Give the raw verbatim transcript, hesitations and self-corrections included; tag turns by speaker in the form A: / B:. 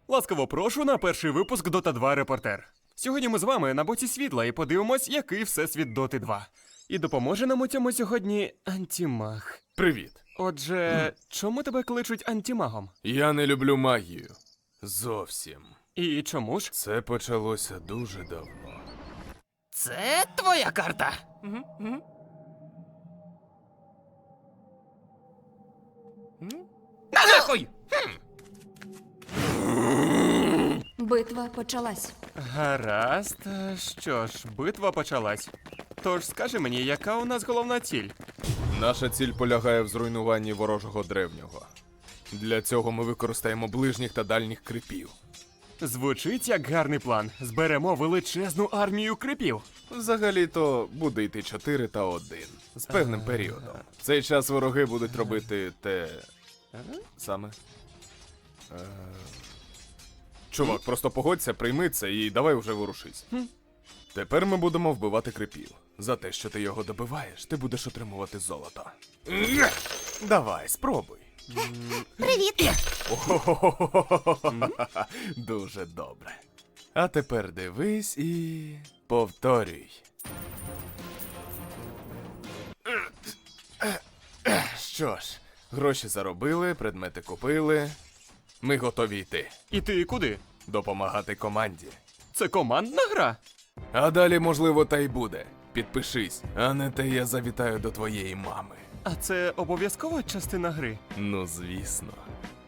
A: Ласкаво прошу на перший випуск Дота два Репортер. Сьогодні ми з вами на боці світла і подивимось, який всесвіт Доти два. І допоможе нам у цьому сьогодні Антімаг.
B: Привіт.
A: Отже, чому тебе кличуть антимагом?
B: Я не люблю магію. Зовсім.
A: І чому ж?
B: Це почалося дуже давно.
A: Це твоя карта. На нахуй!
C: Битва почалась.
A: Гаразд. Що ж, битва почалась. Тож скажи мені, яка у нас головна ціль?
B: Наша ціль полягає в зруйнуванні ворожого древнього. Для цього ми використаємо ближніх та дальніх крипів.
A: Звучить як гарний план. Зберемо величезну армію крипів.
B: Взагалі-то буде йти чотири та один. З певним періодом. В цей час вороги будуть робити те... саме. Е... Чувак, просто погодься, прийми це і давай вже ворушись. Тепер ми будемо вбивати крипів. За те, що ти його добиваєш, ти будеш отримувати золото. Давай, спробуй.
C: Привіт!
B: Дуже добре. А тепер дивись і повторюй. Що ж, гроші заробили, предмети купили. Ми готові йти.
A: І ти куди?
B: Допомагати команді.
A: Це командна гра?
B: А далі, можливо, та й буде. Підпишись, а не те я завітаю до твоєї мами.
A: А це обов'язкова частина гри?
B: Ну, звісно.